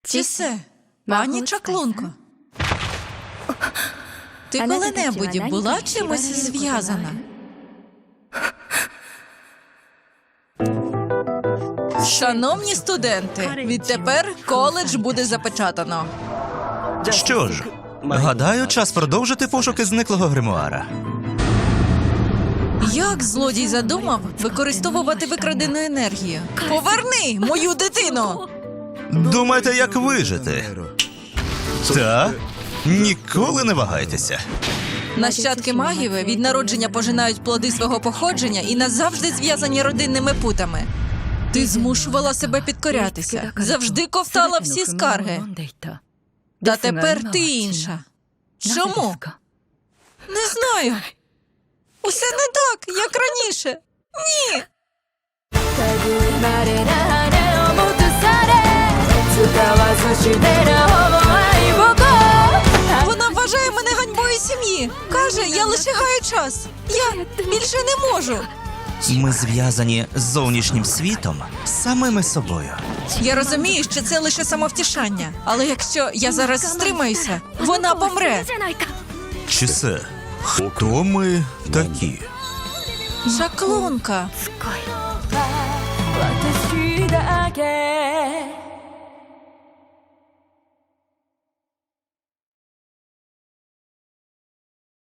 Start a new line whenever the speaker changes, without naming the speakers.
Чісе, пані чаклунко, ти коли-небудь була чимось зв'язана? Шановні студенти, відтепер коледж буде запечатано.
Що ж, гадаю, час продовжити пошуки зниклого гримуара.
Як злодій задумав використовувати викрадену енергію? Поверни мою дитину!
Думаєте, як вижити? Та? Ніколи не вагайтеся.
Нащадки магів від народження пожинають плоди свого походження і назавжди зв'язані родинними путами. Ти змушувала себе підкорятися, завжди ковтала всі скарги. Та тепер ти інша. Чому? Не знаю. Усе не так, як раніше. Ні. Вона вважає мене ганьбою сім'ї. Каже, я лише гаю час. Я більше не можу.
Ми зв'язані з зовнішнім світом, самими собою.
Я розумію, що це лише самовтішання. Але якщо я зараз стримаюся, вона помре.
Чісе, хто ми такі?
Чаклунка.